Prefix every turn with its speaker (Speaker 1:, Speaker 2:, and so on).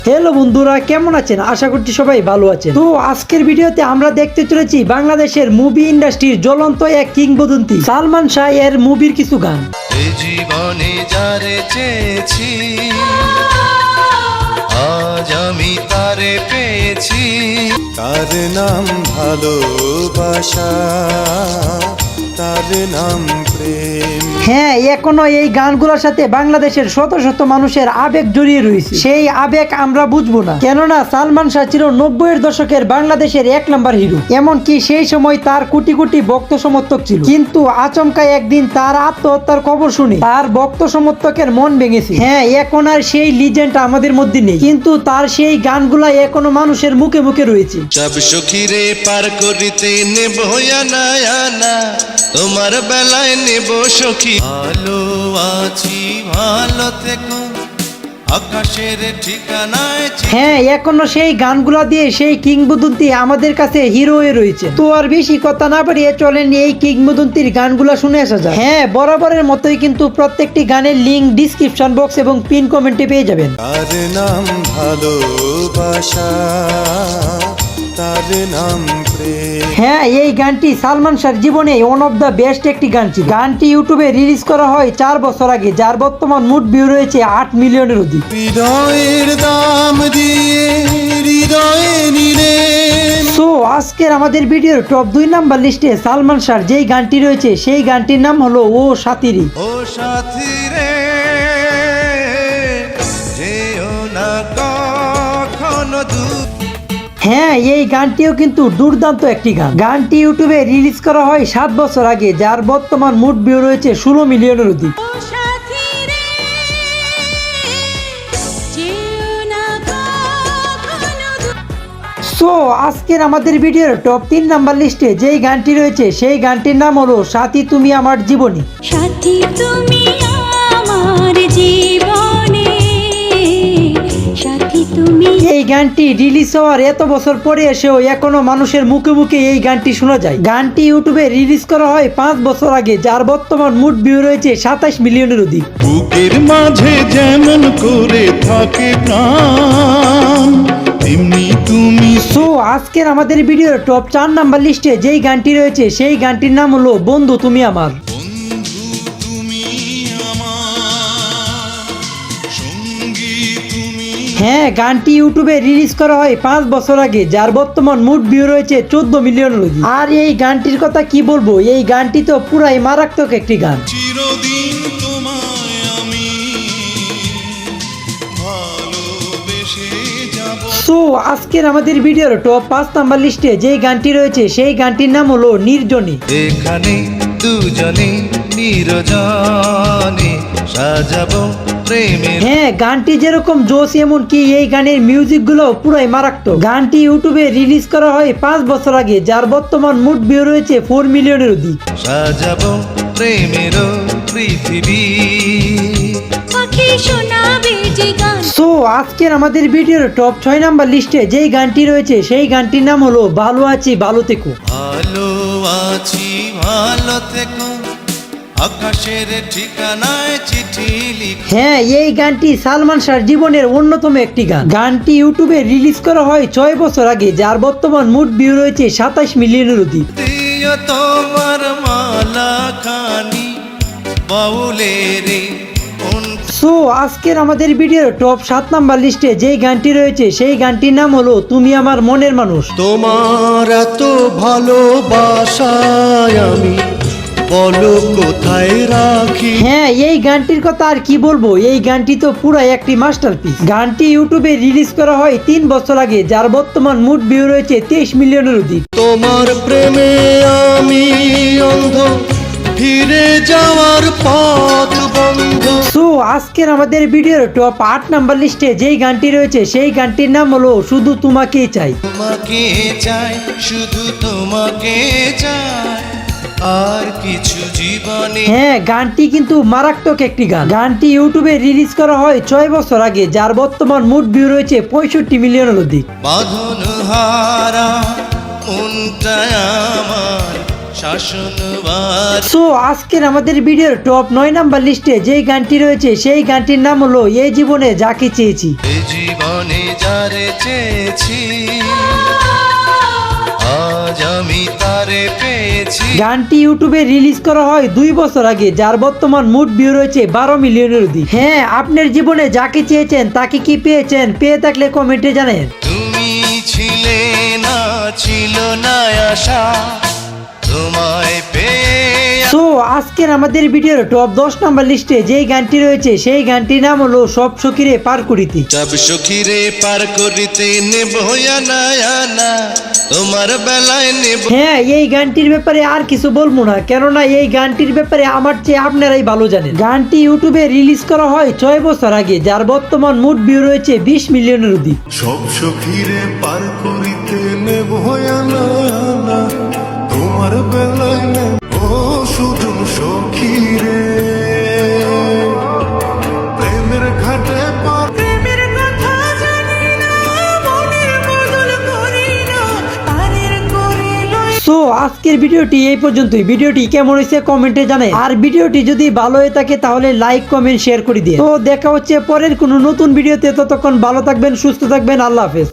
Speaker 1: Hello বন্ধুরা, কেমন আছেন? আশা করছি সবাই ভালো আছেন। তো আজকের ভিডিওতে আমরা দেখতে চলেছি বাংলাদেশের মুভি ইন্ডাস্ট্রির জ্বলন্ত এক কিংবদন্তি সালমান শাহ এর মুভির কিছু গান।
Speaker 2: এই জীবনে যারে চেয়েছি আজ আমি তারে পেয়েছি, তার নাম ভালোবাসা, তার নাম প্রেম।
Speaker 1: হ্যাঁ, এখনো এই গানগুলোর সাথে বাংলাদেশের শত শত মানুষের আবেগ জড়িয়ে রয়েছে। সেই আবেগ আমরা বুঝবো না, কেননা সালমান শাহ ছিল 90-এর দশকের বাংলাদেশের 1 নাম্বার হিরো। এমনকি সেই সময় তার কোটি কোটি ভক্ত সমর্থক ছিল, কিন্তু আচমকা একদিন তার আত্মহত্যার খবর শুনে তার ভক্ত সমর্থকের মন ভেঙেছে। হ্যাঁ, এখন আর সেই লিজেন্ড আমাদের মধ্যে নেই, কিন্তু তার সেই গানগুলা এখনো মানুষের মুখে মুখে রয়েছে।
Speaker 2: সব সখীরে পার করিতে নেব না, তোমার বেলায় নেব সখী। ভালো আছি ভালো থেকো, আকাশের ঠিকানায়।
Speaker 1: হ্যাঁ, এখনো সেই গানগুলা দিয়ে সেই কিংবদন্তি আমাদের কাছে হিরো হয়ে রয়েছে। তো আর বেশি কথা না বাড়িয়ে চলেন এই কিংবদন্তির গানগুলা শুনে আসা যায়। হ্যাঁ, বরাবরের মতোই কিন্তু প্রত্যেকটি গানের লিংক ডিসক্রিপশন বক্স এবং পিন কমেন্টে পেয়ে যাবেন।
Speaker 2: তার নাম ভালোবাসা, তার নাম প্রেম।
Speaker 1: হ্যাঁ, এই গানটি সালমান শাহর জীবনে ওয়ান অফ দ্য বেস্ট একটি গান ছিল। গানটি ইউটিউবে রিলিজ করা হয় 4 বছর আগে, যার বর্তমান মোট ভিউ রয়েছে 8 মিলিয়নের অধিক।
Speaker 2: হৃদয়ের দাম দিয়ে হৃদয়ে নিলে।
Speaker 1: সো আজকের আমাদের ভিডিওর টপ 2 নাম্বার লিস্টে সালমান শাহর যেই গানটি রয়েছে সেই গানটির নাম হলো ও সাথীরে।
Speaker 2: ও সাথী রে, যেও না কখনো দূর।
Speaker 1: হ্যাঁ, এই গানটিও কিন্তু দুর্দান্ত একটি গান। গানটি ইউটিউবে রিলিজ করা হয় 7 বছর আগে, যার বর্তমান মোট ভিউ রয়েছে 16 মিলিয়নের অধিক। সো আজকের আমাদের ভিডিওর টপ 3 নাম্বার লিস্টে যেই গানটি রয়েছে সেই গানটির নাম হলো সাথী তুমি আমার জীবনে।
Speaker 3: সাথী তুমি আমার জীবনে, সাথী তুমি।
Speaker 1: এই গানটি রিলিজ হওয়ার এত বছর পরে এসেও এখনো মানুষের মুখে মুখে এই গানটি শোনা যায়। গানটি ইউটিউবে রিলিজ করা হয় 5 বছর আগে, যার বর্তমান মোট ভিউ রয়েছে 27 মিলিয়নের অধিক।
Speaker 2: বুকের মাঝে যেমন করে থাকে প্রাণ, তেমনি তুমি।
Speaker 1: সো আজকের আমাদের ভিডিওর টপ 4 নাম্বার লিস্টে যেই গানটি রয়েছে সেই গানটির নাম হলো বন্ধু তুমি আমার।
Speaker 2: বন্ধু তুমি আমার সঙ্গী তুমি।
Speaker 1: হ্যাঁ, গানটি ইউটিউবে রিলিজ করা হয় 5 বছর আগে, যার বর্তমান মোট ভিউ রয়েছে 14 মিলিয়নের অধিক। আর এই গানটির কথা কি বলবো, এই গানটি তো পুরাই মারাত্মক একটি গান।
Speaker 2: চিরদিন তোমায় আমি ভালোবেসে যাব।
Speaker 1: সো আজকের আমাদের ভিডিওর টপ 5 নাম্বার লিস্টে যেই গানটি রয়েছে সেই গানটির নাম হলো নির্জনে।
Speaker 2: এখানে দুজনে নিরজনে সাজাবো প্রেমের।
Speaker 1: হ্যাঁ, গানটি যেরকম জোশ, এমনকি এই গানের মিউজিক গুলো পুরাই মারাত্মক। গানটি ইউটিউবে রিলিজ করা হয় 5 বছর আগে, যার বর্তমান মোট ভিউ রয়েছে 4 মিলিয়নের অধিক।
Speaker 2: সাজাবো প্রেমের পৃথিবী।
Speaker 3: পাখি শোনাবে যে গান।
Speaker 1: সো আজকের আমাদের ভিডিওর টপ 6 নাম্বার লিস্টে যেই গানটি রয়েছে সেই গানটির নাম হলো ভালো আছি ভালো থেকো।
Speaker 2: ভালো আছি ভালো থেকো, আকাশের ঠিকানায় চিঠি লিখ।
Speaker 1: হ্যাঁ, এই গানটি সালমান শাহর জীবনের অন্যতম একটি গান। গানটি ইউটিউবে রিলিজ করা হয় 6 বছর আগে, যার বর্তমান মোট ভিউ রয়েছে 27 মিলিয়নের অধিক।
Speaker 2: দিও তোমার মালা খানি বাউলের।
Speaker 1: সো আজকের আমাদের ভিডিওর টপ 7 নাম্বার লিস্টে যেই গানটি রয়েছে সেই গানটির নাম হলো তুমি আমার মনের মানুষ।
Speaker 2: তোমার এত ভালোবাসায় আমি বলো কোথায় রাখি।
Speaker 1: হ্যাঁ, এই গানটির কথা আর কি বলবো, এই গানটি তো পুরাই একটি মাস্টারপিস। গানটি ইউটিউবে রিলিজ করা হয় 3 বছর আগে, যার বর্তমান মোট ভিউ রয়েছে 23 মিলিয়নের অধিক।
Speaker 2: তোমার প্রেমে আমি অন্ধ, ফিরে যাওয়ার পথ বন্ধ।
Speaker 1: সো আজকের আমাদের ভিডিওর টপ 8 নাম্বার লিস্টে যেই গানটি রয়েছে সেই গানটির নাম হলো শুধু তোমাকেই চাই।
Speaker 2: তোমাকে চাই, শুধু তোমাকে চাই, আর কিছু জীবনে।
Speaker 1: হ্যাঁ, গানটি কিন্তু মারাত্মক একটি গান। গানটি ইউটিউবে রিলিজ করা হয় 6 বছর আগে, যার বর্তমান মোট ভিউ রয়েছে 65 মিলিয়নের অধিক।
Speaker 2: বাঁধন হারা মনটা আমার শাসনবার
Speaker 1: সো আজকের আমাদের ভিডিওর টপ 9 নাম্বার লিস্টে যেই গানটি রয়েছে সেই গানটির নাম হলো এই জীবনে যাকে চেয়েছি।
Speaker 2: এ জীবনে যারে চেয়েছি আজ আমি তারে পেয়েছি।
Speaker 1: গানটি ইউটিউবে রিলিজ করা হয় 2 বছর আগে, যার বর্তমান মোট ভিউ রয়েছে 12 মিলিয়নের অধিক। হ্যাঁ, আপনার জীবনে যাকে চেয়েছেন তাকে কি পেয়েছেন? পেয়ে থাকলে কমেন্টে জানান।
Speaker 2: তুমি ছিলে না, ছিল না আশা তোমায় পেয়ে।
Speaker 1: সো আজকের আমাদের ভিডিওর টপ 10 নাম্বার লিস্টে যেই গানটি রয়েছে সেই গানটির নাম হলো সব সখীরে পার করিতে।
Speaker 2: সব সখীরে পার করিতে নেব আনা আনা তোমার বেলায় নেব।
Speaker 1: হ্যাঁ, এই গানটির ব্যাপারে আর কিছু বলবো না, কেননা এই গানটির ব্যাপারে আমার চেয়ে আপনারাই ভালো জানেন। গানটি ইউটিউবে রিলিজ করা হয় 6 বছর আগে, যার বর্তমান মোট ভিউ রয়েছে 20 মিলিয়নের অধিক।
Speaker 4: সব সখীরে পার করিতে নেব আনা আনা তোমার বেলায় নেব শুধু সখীরে প্রেমের ঘাটে পার
Speaker 3: প্রেমের কথা জানি না মনের বদল করি না তারের করিল।
Speaker 1: সো আজকের ভিডিওটি এই পর্যন্তই। ভিডিওটি কেমন হয়েছে কমেন্টে জানাই, আর ভিডিওটি যদি ভালো হয়ে থাকে তাহলে লাইক কমেন্ট শেয়ার করে দিয়ে। তো দেখা হচ্ছে পরের কোনো নতুন ভিডিওতে, ততক্ষণ ভালো থাকবেন, সুস্থ থাকবেন, আল্লাহ হাফেজ।